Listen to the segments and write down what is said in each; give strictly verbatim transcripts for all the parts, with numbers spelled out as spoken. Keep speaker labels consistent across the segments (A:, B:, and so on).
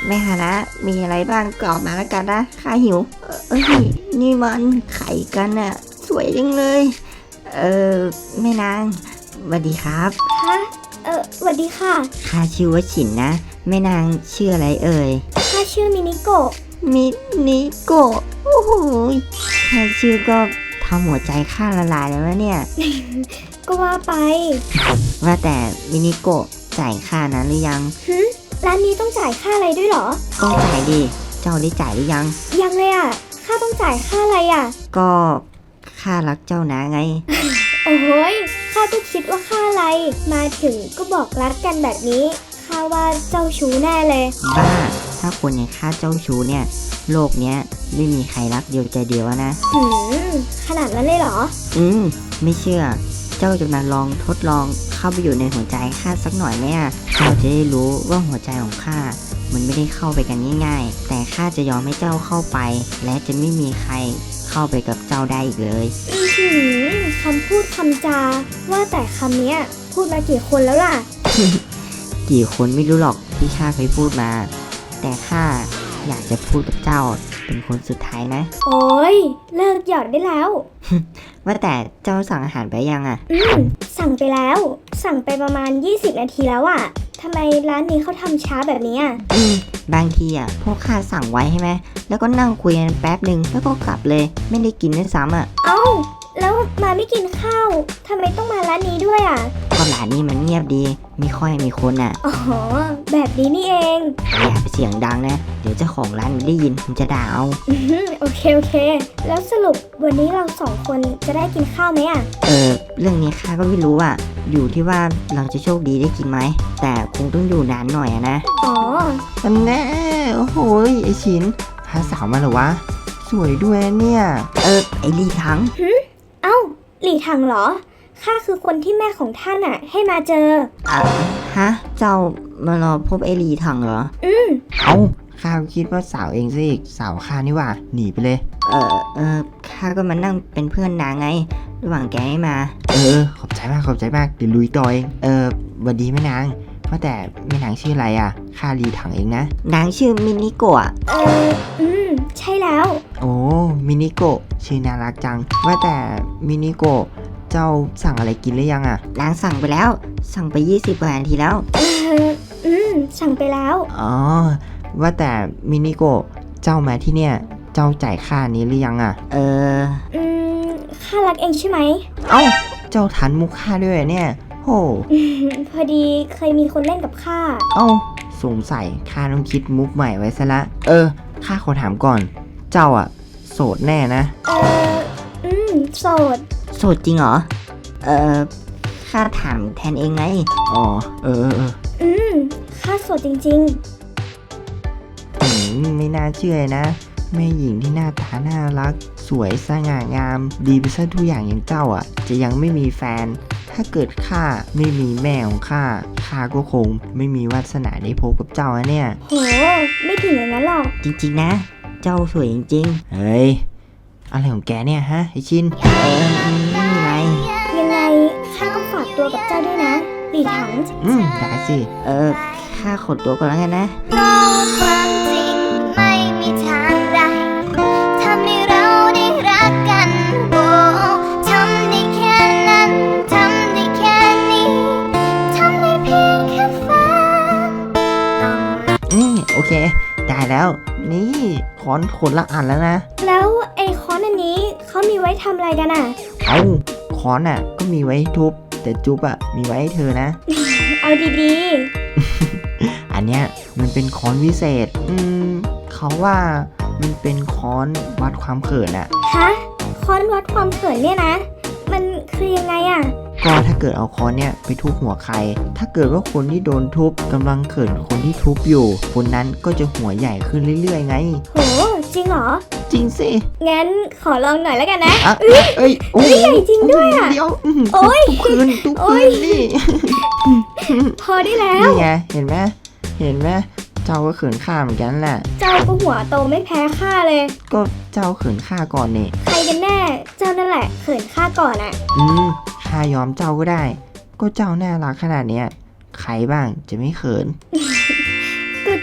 A: แม่ฮานะมีอะไรบ้างกรอบมาแล้วกันนะข้าหิวเอ้ยนี่มันไข่กันอะสวยจังเลยเออแม่นางสวัสดีครับ
B: ฮะเออสวัสดีค่ะ
A: ข้าชื่อว่าฉินนะแม่นางชื่ออะไรเอ่ย
B: ข้าชื่อมินิโกะ
A: มินิโกะโอ้โหแค่ชื่อก็ทำหัวใจข้าละลายแล้วนะเนี่ย
B: ก็ว่าไป
A: ว่าแต่มินิโกะจ่ายค่านะหรือยัง
B: ฮึร้านนี้ต้องจ่ายค่าอะไรด้วยเหรอ
A: ต้องจ่ายดิเจ้าได้จ่ายหรือยัง
B: ยังเลยอ่ะค่าต้องจ่ายค่าอะไรอ่ะ
A: ก็ค่ารักเจ้านะไง
B: โอ้ยข้าก็คิดว่าค่าอะไรมาถึงก็บอกรักกันแบบนี้ข้าว่าเจ้าชู้แน่เลย
A: บ้าถ้าคนอย่างข้าเจ้าชู้เนี่ยโลกเนี้ยไม่มีใครรักเดียวใจเดียวนะ
B: หืมขนาดนั้นเลยเหรอ
A: อืมไม่เชื่อเจ้าจะมาลองทดลองเข้าไปอยู่ในหัวใจข้าสักหน่อยไหมอ่ะเจ้าจะได้รู้ว่าหัวใจของข้ามันไม่ได้เข้าไปกันง่ายๆแต่ข้าจะยอมให้เจ้าเข้าไปและจะไม่มีใครเข้าไปกับเจ้าได้อีกเลย
B: อือหือคำพูดคำจาว่าแต่คำเนี้ยพูดมากี่คนแล้วล่ะ
A: กี่คนไม่รู้หรอกที่ข้าเคยพูดมาแต่ข้าอยากจะพูดกับเจ้าเป็นคนสุดท้ายนะ
B: โอ้ยเลิกหยอดได้แล้ว
A: ว่าแต่เจ้าสั่งอาหารไปยังอ่ะ
B: อืมสั่งไปแล้วสั่งไปประมาณยี่สิบนาทีแล้วอ่ะทำไมร้านนี้เขาทำช้าแบบนี้อ่ะ
A: อืมบางทีอ่ะพวกข้าสั่งไว้ใช่ไหมแล้วก็นั่งคุยกันแป๊บหนึ่งแล้วก็กลับเลยไม่ได้กินด้วยซ้ำอ่ะ
B: เอ้าแล้วมาไม่กินข้าวทำไมต้องมาร้านนี้ด้วยอ่ะ
A: ก็ร้านนี้มันเงียบดีไม่ค่อยมีคนอ่ะ
B: อ๋อแบบนี้นี่เอง
A: อย่าไปเสียงดังนะเดี๋ยวเจ้าของร้านได้ยินมันจะด่าเอา
B: โอเคโอเคแล้วสรุปวันนี้เราสองคนจะได้กินข้าวไหมอ่ะ
A: เออเรื่องนี้ข้าก็ไม่รู้อ่ะอยู่ที่ว่าเราจะโชคดีได้กินไหมแต่คงต้องอยู่นานหน่อยนะ
B: อ๋อ
C: อันแน่โอ้โหไอชินพาสาวมาเหรอวะสวยด้วยเนี่ย
A: เออไอลีถัง
B: เอ้าหลี่ถังเหรอข้าคือคนที่แม่ของท่านอ่ะให้มาเจอ
A: อ่ะฮะเจ้ามารอพบไอลีถังเหรอ
B: อืม
C: เอ้าข้าคิดว่าสาวเองซะอีกสาวข้านี่ว่าหนีไปเลย
A: เออเออข้าก็มานั่งเป็นเพื่อนนางไงระหว่างแกให้มา
C: เออขอบใจมากขอบใจมากเดี๋ยวลุยต่อเองเออวันดีแม่นางว่าแต่แม่นางชื่ออะไรอ่ะข้าลีถังเองนะ
A: นางชื่อมินิโกะ
B: เอออืมใช่แล้ว
C: โอ้มินิโกะชื่อน่ารักจังว่าแต่มินิโกะเจ้าสั่งอะไรกินหรือยังอ่ะ
A: นางสั่งไปแล้วสั่งไปยี่สิบกว่านาทีแล้ว
B: เอออืมสั่งไปแล้ว
C: อ๋อว่าแต่มินิโกะเจ้ามาที่เนี่ยเจ้าจ่ายค่านี้หรือยังอ่ะ
A: เออ
B: อืมข้ารักเองใช่ไหม
C: เอ้าเจ้าทันมุกข้าด้วยเนี่ยโห
B: พอดีเคยมีคนเล่นกับข้า
C: เอ้าสงสัยข้าต้องคิดมุกใหม่ไว้ซะละเออข้าขอถามก่อนเจ้าอ่ะโสดแน่นะ
B: เอออืมโสด
A: โสดจริงเหรอเออข้าถามแทนเองไง
C: อ๋อเออเออ
B: อืมข้าโสดจริง
C: ๆอืมไม่น่าเชื่อนะแม่หญิงที่หน้าตาน่ารักสวยสง่างามดีไปซะทุกอย่างอย่างเจ้าอ่ะจะยังไม่มีแฟนถ้าเกิดข้าไม่มีแม่ของข้าข้าก็คงไม่มีวาสนาได้พบกับเจ้าเนี่ย
B: โหไม่ถึงอย่างนั้นหรอก
A: จริงๆนะเจ้าสวยจริง
C: ๆเฮ้ยอะไรของแกเนี่ยฮะไอชิน
A: เออไม่มีอะไร
B: ยังไงข้าก็ฝากตัวกับเจ้าด้วยนะหลี่ถัง
C: อืมได้สิ
A: เออข้าขดตัวก่อนแล้วกันนะ
D: ความจริงไม่มีทางใดทำให้เราได้รักกันโอ้ทำได้แค่นั้นทำได้แค่นี้ทำได้เพียงแค่ฝัน
C: อืมโอเคได้แล้วนี่ค้อนคนละอันแล้วนะ
B: แล้วไอ้ค้อนอันนี้เขามีไว้ทำอะไรกันอ่ะ
C: เอ้าค้อนอ่ะก็มีไว้ทุบแต่จุ๊บอ่ะมีไว้ให้เธอนะ
B: เอาดี
C: ๆ อันเนี้ยมันเป็นค้อนวิเศษอืมเขาว่ามันเป็นค้อนวัดความเขินอ่ะ
B: ฮะค้อนวัดความเขินเนี่ยนะมันคือยังไงอ่ะ
C: ก็ถ้าเกิดเอาค้อนเนี่ยไปทุบหัวใครถ้าเกิดว่าคนที่โดนทุบกำลังเขินคนที่ทุบอยู่คนนั้นก็จะหัวใหญ่ขึ้นเรื่อยๆไง
B: โหจริงเหรอ
C: จริงสิ
B: งั้นขอลองหน่อยแล้วกันนะ
C: เอ้ยเอ้ยโอ้ย
B: ใหญ่จริงด้วยอ่ะ
C: เดี๋ยว
B: โอ้ย
C: ทุบคืนทุบคืนนี่
B: พอได้แล้ว
C: นี่ไงเห็นไหมเห็นไหมเจ้าก็เขินข้าเหมือนกันแหละ
B: เจ้าก็หัวโตไม่แพ้ข้าเลย
C: ก็เจ้าเขินข้าก่อนนี่
B: ใครกันแน่เจ้านั่นแหละเขินข้าก่อนอ่ะ
C: อืมข้ายอมเจ้าก็ได้ก็เจ้าน่ารักขนาดเนี้ยใครบ้างจะไม่เขิน
B: ก็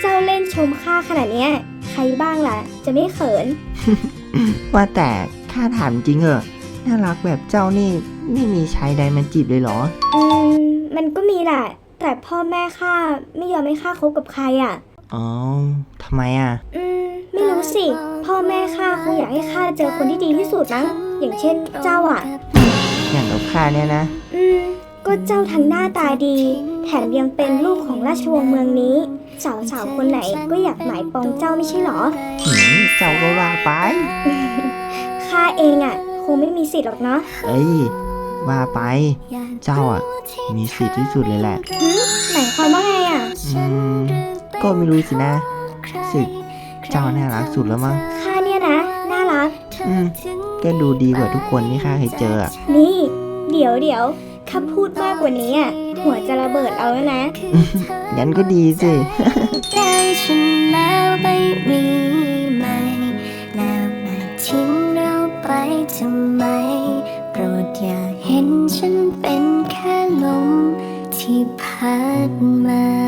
B: เจ้าเล่นชมข้าขนาดเนี้ยใครบ้างล่ะ จะไม่เขิน
C: ว่าแต่ข้าถามจริงเหอะน่ารักแบบเจ้านี่ไม่มีชายใดมาจีบเลยเหรอ
B: อืม มันก็มีแหละ แต่พ่อแม่ข้าไม่ยอมให้ข้าคบกับใครอ่ะ
C: อ๋อทำไมอ่ะ
B: อืม ไม่รู้สิ พ่อแม่ข้าคงอยากให้ข้าเจอคนที่ดีที่สุดมั้งอย่างเช่นเจ้าอ่ะ
C: อย่างกับข้าเนี่ยนะ
B: อืม ก็เจ้าทั้งหน้าตาดี แถมยังเป็นลูกของราชวงศ์เมืองนี้ สาวๆคนไหนก็อยากหมายปองเจ้าไม่ใช่หรอ
C: หืมเจ้าก็ว่าไป
B: ข้าเองอ่ะ คงไม่มีสิทธิ์หรอกเนาะ
C: เอ้ย ว่าไป เจ้าอ่ะ มีสิทธิ์ที่สุดเลยแหละ
B: หืมหมายความว่าไงอ่ะ
C: อืม ก็ไม่รู้สินะสึกเจ้าน่ารักสุดแล้วมั้ง
B: ข้าเนี่ยนะ น่ารัก
C: อืม ก็ดูดีกว่าทุกคนที่ข้าเคยเจออ่ะ
B: นี่ เดี๋ยวเดี๋ยวข้าพูดมากกว่านี้อ่ะ หัวจะระเบิดเอาแล้วนะ
C: งั้นก็ดีสิ
D: ได้ฉันแล้วไปมีไหมแล้วมาทิ้งเราไปทำไมโปรดอย่าเห็นฉันเป็นแค่ลมที่พัดมา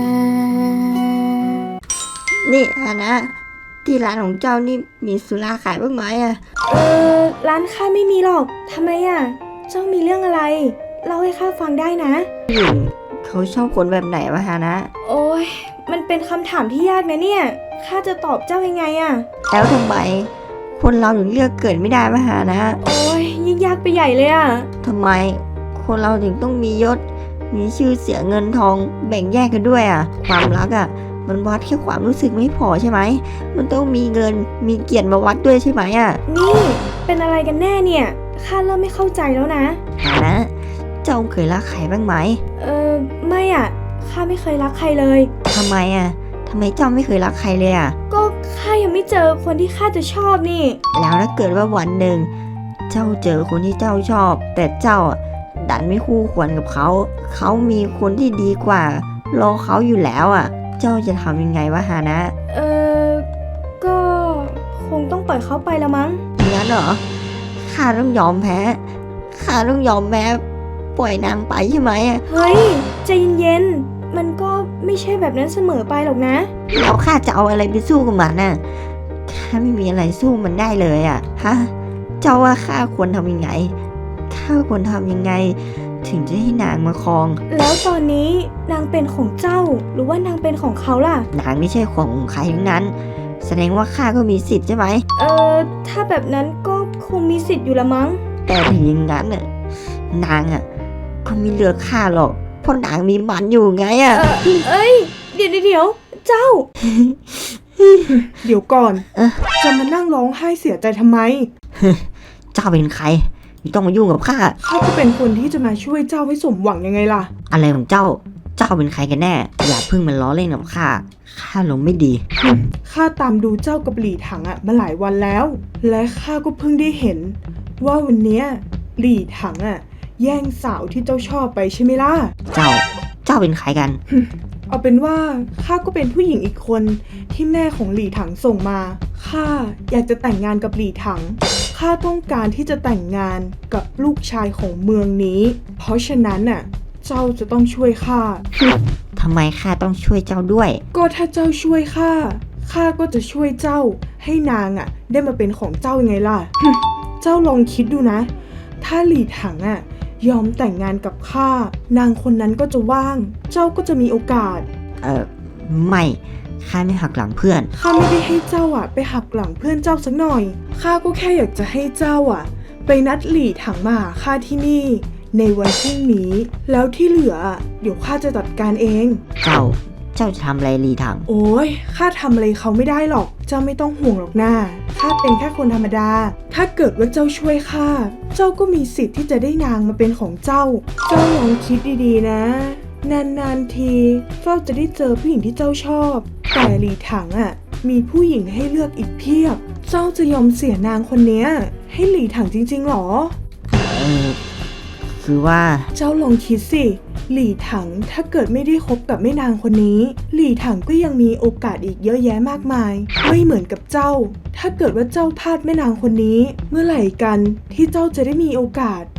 A: นี่ฮานะที่ร้านของเจ้านี่มีสุราขายบ้างไหมอะ
E: เออร้านข้าไม่มีหรอก ทำไมอ่ะ เจ้ามีเรื่องอะไร เล่าให้ข้าฟังได้นะ
A: ผู้หญิงเขาชอบคนแบบไหนวะฮานะ
E: โอ้ย มันเป็นคำถามที่ยากนะเนี่ย ข้าจะตอบเจ้ายังไงอ่ะ
A: แล้วทำไมคนเราถึงเลือกเกิดไม่ได้วะฮานะ
E: โอ้ยยิ่งยากไปใหญ่เลยอ่ะ
A: ทำไมคนเราถึงต้องมียศ มีชื่อเสียงเงินทองแบ่งแยกกันด้วยอะความรักอะมันวัดแค่ความรู้สึกไม่พอใช่ไหม มันต้องมีเงินมีเกียรติมาวัดด้วยใช่ไหมอะ
E: นี่ เป็นอะไรกันแน่เนี่ย ข้าเริ่มไม่เข้าใจแล้วนะ
A: ฮานะ เจ้าเคยรักใครบ้างไหม
E: เออไม่อ่ะ ข้าไม่เคยรักใครเลย
A: ทำไมอะทำไมเจ้าไม่เคยรักใครเลยอะ
E: ก็ข้ายังไม่เจอคนที่ข้าจะชอบนี่
A: แล้วถ้าเกิดว่าวันหนึ่งเจ้าเจอคนที่เจ้าชอบ แต่เจ้าอะดันไม่คู่ควรกับเขา เขามีคนที่ดีกว่ารอเขาอยู่แล้วอะเจ้าจะทำยังไงวะฮานะ
E: เออก็คงต้องปล่อยเขาไปละมั้ง
A: งั้นเหรอข้าต้องยอมแพ้ข้าต้องยอมแพ้ปล่อยนางไปใช่ไหมอะ
E: เฮ้ย ใจเย็นๆ มันก็ไม่ใช่แบบนั้นเสมอไปหรอกนะ
A: แล้วข้าจะเอาอะไรไปสู้กับมันน่ะข้าไม่มีอะไรสู้มันได้เลยอะฮะเจ้าว่าข้าควรทำยังไงข้าควรทำยังไง ถึงจะให้นางมาครอง
E: แล้วตอนนี้นางเป็นของเจ้า หรือว่านางเป็นของเขาล่ะ
A: นางไม่ใช่ของของใครทั้งนั้น แสดงว่าข้าก็มีสิทธิ์ใช่ไหม
E: เออถ้าแบบนั้นก็คงมีสิทธิ์อยู่ละมั้ง
A: แต่ถึงอย่างนั้นน่ะนางอ่ะก็ไม่เลือกข้าหรอกเพราะนางมีมันอยู่ไงอ่ะ
E: เออเอ้ย เดี๋ยวเดี๋ยวเจ้า
F: เดี๋ยวก่อน
A: เอ๊ะ
F: จะมานั่งร้องไห้เสียใจทำไม
A: เจ้าเป็นใครไม่ต้องมายุ่งกับข้า
F: ข้าก็เป็นคนที่จะมาช่วยเจ้าให้สมหวังยังไงล่ะ
A: อะไรของเจ้า เจ้าเป็นใครกันแน่ อย่าเพิ่งมันล้อเล่นกับข้าข้าลงไม่ดี
F: ข้าตามดูเจ้ากับหลี่ถังอะมาหลายวันแล้ว และข้าก็เพิ่งได้เห็น ว่าวันเนี้ยหลี่ถังอะแย่งสาวที่เจ้าชอบไปใช่ไหมล่ะ
A: เจ้า เจ้าเป็นใครกัน
F: เอาเป็นว่าข้าก็เป็นผู้หญิงอีกคนที่แม่ของหลี่ถังส่งมา ข้าอยากจะแต่งงานกับหลี่ถัง ข้าต้องการที่จะแต่งงานกับลูกชายของเมืองนี้ เพราะฉะนั้นน่ะ เจ้าจะต้องช่วยข้า
A: ทำไมข้าต้องช่วยเจ้าด้วย
F: ก็ถ้าเจ้าช่วยข้า ข้าก็จะช่วยเจ้าให้นางอ่ะ ได้มาเป็นของเจ้ายังไงล่ะ เจ้าลองคิดดูนะ ถ้าหลี่ถังอ่ะยอมแต่งงานกับข้า นางคนนั้นก็จะว่าง เจ้าก็จะมีโอกาส
A: เออไม่ ข้าไม่หักหลังเพื่อน
F: ข้าไม่ได้ให้เจ้าอ่ะไปหักหลังเพื่อนเจ้าสักหน่อย ข้าก็แค่อยากจะให้เจ้าอ่ะ ไปนัดหลี่ถังมาหาข้าที่นี่ ในวันพรุ่งนี้ แล้วที่เหลืออ่ะเดี๋ยวข้าจะจัดการเอง
A: เจ้า เจ้าจะทำอะไรลีถัง
F: โอ้ยข้าทำอะไรเขาไม่ได้หรอก เจ้าไม่ต้องห่วงหรอกนะข้าเป็นแค่คนธรรมดา ถ้าเกิดว่าเจ้าช่วยข้า เจ้าก็มีสิทธิ์ที่จะได้นางมาเป็นของเจ้า เจ้าลองคิดดีๆนะ นานๆทีเจ้าจะได้เจอผู้หญิงที่เจ้าชอบ แต่หลีถังอ่ะ มีผู้หญิงให้เลือกอีกเพียบ เจ้าจะยอมเสียนางคนเนี้ยให้หลีถังจริงๆหรอ
A: เออ คือว่า
F: เจ้าลองคิดสิ หลี่ถังถ้าเกิดไม่ได้คบกับแม่นางคนนี้ หลี่ถังก็ยังมีโอกาสอีกเยอะแยะมากมาย ไม่เหมือนกับเจ้า ถ้าเกิดว่าเจ้าพลาดแม่นางคนนี้ เมื่อไหร่กันที่เจ้าจะได้มีโอกาส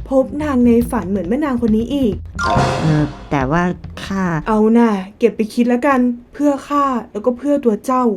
F: พบนางในฝันเหมือนแม่นางคนนี้อีก
A: เออแต่ว่าข้า
F: เอาน่ะเก็บไปคิดแล้วกัน เพื่อข้าแล้วก็เพื่อตัวเจ้า